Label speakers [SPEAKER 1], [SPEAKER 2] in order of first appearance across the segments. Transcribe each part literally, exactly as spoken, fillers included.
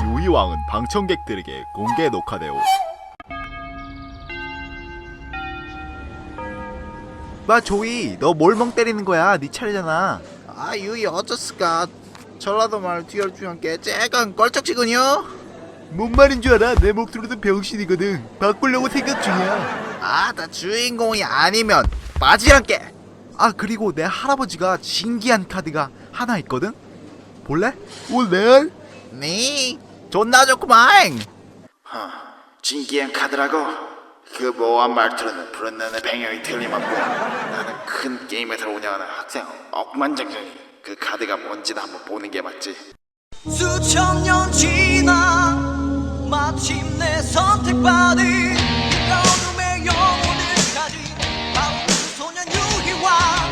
[SPEAKER 1] 요이왕은 방청객들에게 공개 녹화되오.
[SPEAKER 2] 마 조이, 너 뭘 멍 때리는 거야? 네 차례잖아.
[SPEAKER 3] 아 유이 어쩌스까 전라도 말 뒤열 중한께 쬐깐 껄쩍지군요.
[SPEAKER 2] 뭔 말인 줄 알아? 내 목소리도 병신이거든. 바꾸려고 생각 중이야.
[SPEAKER 3] 아 나 주인공이 아니면 빠지란께.
[SPEAKER 2] 아 그리고 내 할아버지가 신기한 카드가 하나 있거든? 볼래?
[SPEAKER 3] 올래? 네 존나 좋구만. 허, 신기한 카드라고? 그 모호한 말투로는 부르는 배경이 틀림없고 나는 큰 게임에서 운영하는 학생 억만장자니 그 카드가 뭔지도 한번 보는 게 맞지.
[SPEAKER 4] 수천 년 지나 마침내 선택받은 그 어둠의 영혼을 가진 바로 그 소년 유희왕.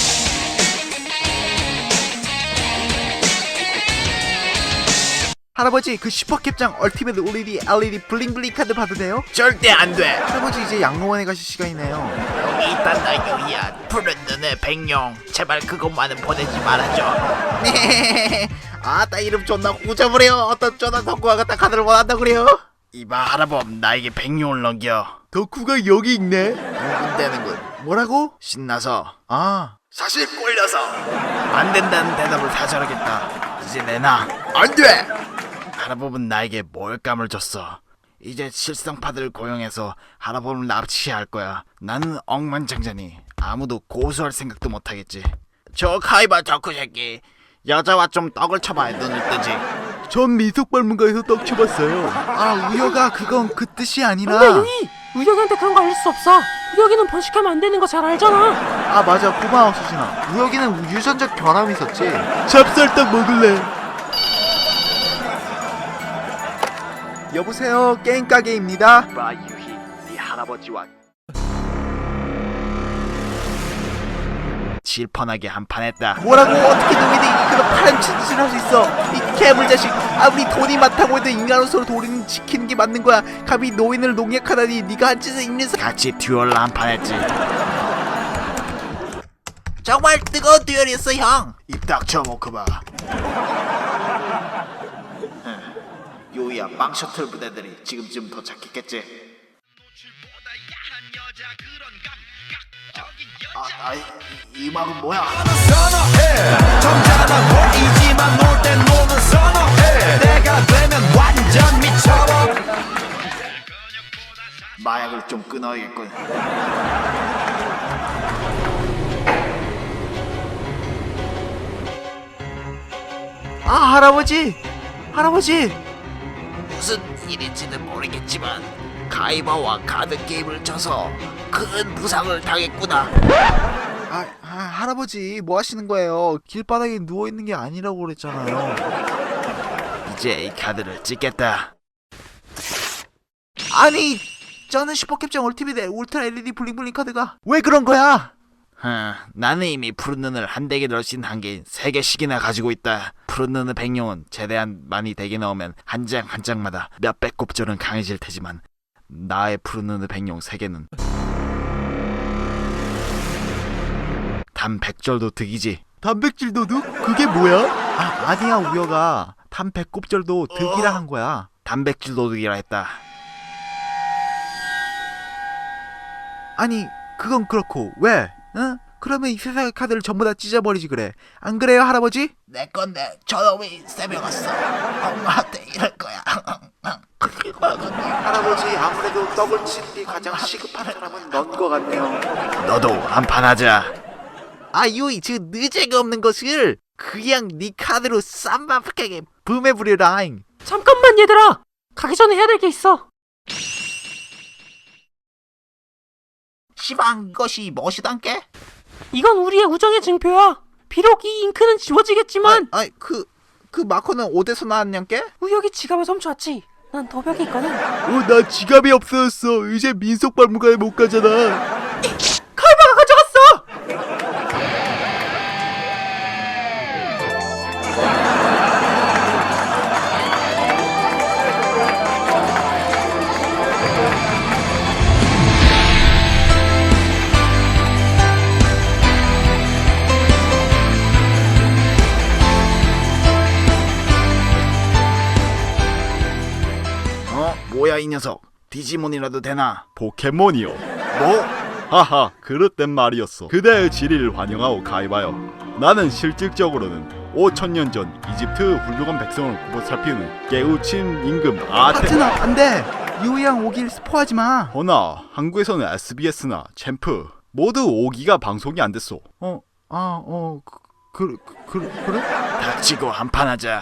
[SPEAKER 2] 할아버지 그 슈퍼캡장 얼티메트 올이디 엘이디 블링블링 카드 봐도 돼요?
[SPEAKER 3] 절대 안 돼.
[SPEAKER 2] 할아버지 이제 양로원에 가실 시간이네요.
[SPEAKER 3] 여기 있단다 유희야. 푸른 눈의 백룡 제발 그것만은 보내지 말아줘. 네. 아따 이름 존나 후져버려. 어떤 존나 덕후가 갖다 카드를 원한다 그래요? 이봐 할아범 나에게 백룡을 넘겨.
[SPEAKER 2] 덕후가 여기 있네.
[SPEAKER 3] 흥분되는군.
[SPEAKER 2] 뭐라고?
[SPEAKER 3] 신나서
[SPEAKER 2] 아
[SPEAKER 3] 사실 꼴려서 안 된다는 대답을 다 저러겠다. 이제 내놔. 안 돼. 할아범은 나에게 몰감을 줬어. 이제 실성파들을 고용해서 할아범을 납치할 거야. 나는 억만장자니 아무도 고소할 생각도 못하겠지. 저 카이바 덕후 새끼 여자와 좀 떡을 쳐봐야 눈을 뜨지.
[SPEAKER 2] 전 미속발문가에서 떡 쳐봤어요. 아 우여가 그건 그 뜻이 아니라.
[SPEAKER 5] 근데 유이! 우혁이한테 그런 거 알릴 수 없어. 우혁이는 번식하면 안 되는 거 잘 알잖아.
[SPEAKER 2] 아 맞아 고마워 수진아. 우혁이는 유전적 결함이 있었지. 찹쌀떡 먹을래. 여보세요 게임 가게입니다.
[SPEAKER 1] 마 유희, 네 할아버지와
[SPEAKER 3] 질펀하게 한판 했다.
[SPEAKER 2] 뭐라고 어떻게 노인이 그런 파란 짓을 할 수 있어? 이 괴물 자식. 아무리 돈이 많다고 해도 인간으로서 도리는 지키는 게 맞는 거야. 감히 노인을 농약하다니. 네가 한 짓은 인류에서
[SPEAKER 3] 같이 듀얼로 한판 했지.
[SPEAKER 4] 정말 뜨거운 듀얼이었어 형.
[SPEAKER 3] 입 닥쳐 모크바. 요이야 빵 셔틀 부대들이 지금쯤 도착했겠지. 아, 아, 이, 이 음악은 뭐야?
[SPEAKER 4] 선어해 점잖아 보이지만 놀 땐 노는 선어해. 내가 되면 완전 미쳐버.
[SPEAKER 3] 마약을 좀 끊어야겠군.
[SPEAKER 2] 아 할아버지 할아버지.
[SPEAKER 3] 무슨 일인지는 모르겠지만 가이바와 카드 게임을 져서 큰 부상을 당했구나.
[SPEAKER 2] 아, 아 할아버지 뭐 하시는 거예요? 길바닥에 누워 있는 게 아니라고 그랬잖아요.
[SPEAKER 3] 이제 이 카드를 찍겠다.
[SPEAKER 2] 아니 저는 슈퍼캡장 얼티밋의 울트라 엘이디 블링블링 카드가 왜 그런 거야?
[SPEAKER 3] 흠, 나는 이미 푸른 눈을 한 댁에 넣을 수 있는 한계인 세 개씩이나 가지고 있다. 푸른 눈의 백룡은 최대한 많이 댁에 넣으면 한 장 한 장마다 몇백 곱절은 강해질 테지만 나의 푸른 눈의 백룡 세 개는 단백절도 득이지.
[SPEAKER 2] 단백질도 득? 그게 뭐야? 아 아니야 우여가 단백곱절도 득이라 한 거야.
[SPEAKER 3] 단백질도 득이라 했다.
[SPEAKER 2] 아니 그건 그렇고 왜? 응? 그러면 이 세상의 카드를 전부 다 찢어버리지 그래. 안 그래요 할아버지?
[SPEAKER 3] 내 건데 저놈이 세명았어. 엄마한테 이럴 거야.
[SPEAKER 2] 할아버지 아무래도 떡을 치는 게 가장 시급한 사람은 넌 거 같네요.
[SPEAKER 3] 너도 한판 하자.
[SPEAKER 2] 아 유이 저 느재가 없는 것을 그냥 네 카드로 쌈바하게 붐해부려라잉.
[SPEAKER 5] 잠깐만 얘들아. 가기 전에 해야 될 게 있어.
[SPEAKER 3] 시방 이것이 무엇이단께?
[SPEAKER 5] 이건 우리의 우정의 증표야. 비록 이 잉크는 지워지겠지만
[SPEAKER 2] 아이 그 그 마커는 어디서 나왔냐께?
[SPEAKER 5] 우혁이 지갑을 훔쳐왔지. 난 도벽이 있거든.
[SPEAKER 2] 어 나 지갑이 없어졌어. 이제 민속발문가에 못 가잖아.
[SPEAKER 5] 칼바가 가져갔어.
[SPEAKER 3] 뭐야 이 녀석. 디지몬이라도 되나?
[SPEAKER 1] 포켓몬이요.
[SPEAKER 3] 뭐?
[SPEAKER 1] 하하, 그릇된 말이었어. 그대의 질의를 환영하오 가이바요. 나는 실질적으로는 오천 년 전 이집트 훌륭한 백성을 구보살피는 깨우친 임금 아테.
[SPEAKER 2] 하트나 안돼. 유이양 오길 스포하지 마.
[SPEAKER 1] 허나 한국에서는 에스비에스나 챔프 모두 오 기가 방송이 안 됐어.
[SPEAKER 2] 어, 아, 어, 그, 그, 그, 그래?
[SPEAKER 3] 닥치고 한판 하자.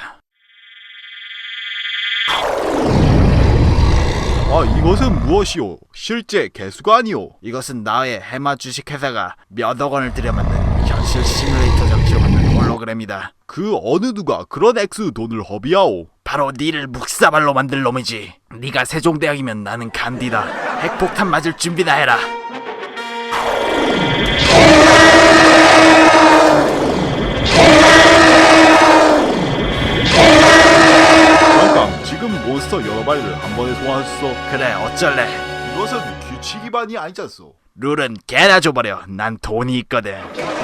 [SPEAKER 1] 아, 이것은 무엇이오? 실제 개수가 아니오.
[SPEAKER 3] 이것은 나의 해마 주식회사가 몇억 원을 들여 만든 현실 시뮬레이터 장치로 만든 홀로그램이다.
[SPEAKER 1] 그 어느 누가 그런 액수 돈을 허비하오?
[SPEAKER 3] 바로 니를 묵사발로 만들 놈이지. 네가 세종대왕이면 나는 간디다. 핵폭탄 맞을 준비나 해라.
[SPEAKER 1] 잠깐, 지금 몬스터 여러 마리를 한 번에 소환했어.
[SPEAKER 3] 그래 어쩔래.
[SPEAKER 1] 이것은 규칙 위반이 아니잖소.
[SPEAKER 3] 룰은 개나 줘버려. 난 돈이 있거든.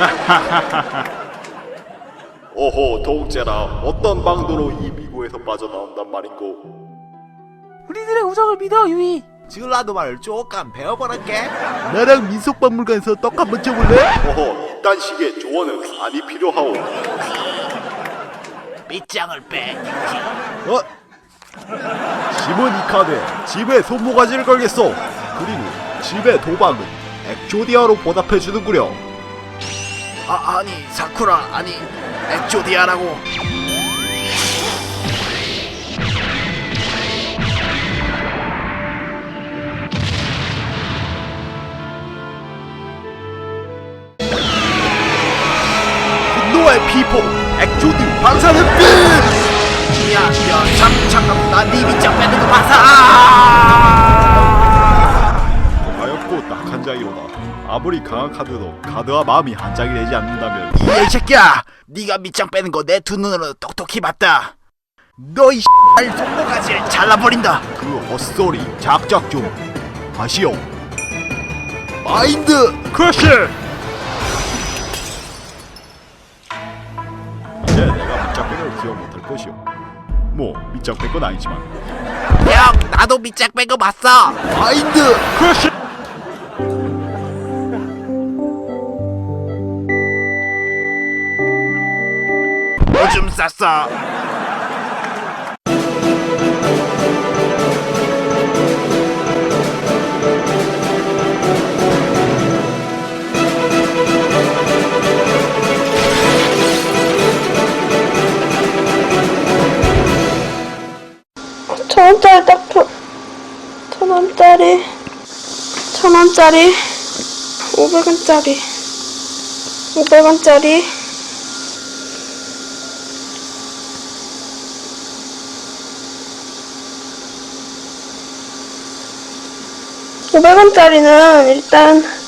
[SPEAKER 1] 오호, 동째라. 어떤 방도로 이 미국에서 빠져나온단 말인고.
[SPEAKER 5] 우리들의 우정을 믿어, 유이.
[SPEAKER 2] 지울라도 말을 조금 배워보랄게.
[SPEAKER 1] 나랑 민속박물관에서 떡 한번 쳐볼래? 어허, 이딴 식의 조언은 아니 필요하오.
[SPEAKER 3] 밑장을 빼.
[SPEAKER 1] 어? 짐은 이카되 집에 손모가지를 걸겠어. 그리고 집의 도박은 엑조디아로 보답해주는구려.
[SPEAKER 3] 아 아니 사쿠라 아니 엑조디아라고.
[SPEAKER 1] 분노의 피폭 엑조디 방사능 빛.
[SPEAKER 3] 야야 잠 잠깐 나네 밑장 빼는 거 봤어.
[SPEAKER 1] 가엽고 딱한 장이로다. 아무리 강한 카드도 카드와 마음이 한 장이 되지 않는다면.
[SPEAKER 3] 이 새끼야, 네가 밑장 빼는 거 내 두 눈으로 똑똑히 봤다.
[SPEAKER 2] 너이
[SPEAKER 3] 알 손모가지를 잘라버린다.
[SPEAKER 1] 그 헛소리 작작 좀 하시오. 마인드 크러쉬. 이제 내가 밑장 뺀 걸 기억 못할 것이오. 뭐 밑장 뺀 건 아니지만.
[SPEAKER 3] 형 나도 밑장 뺀 거 봤어.
[SPEAKER 1] 마인드 크러쉬.
[SPEAKER 3] 오줌 쌌어.
[SPEAKER 6] 천 원짜리 딱 천, 천 원짜리, 천 원짜리, 오백 원짜리, 오백 원짜리, 오백 원짜리는 일단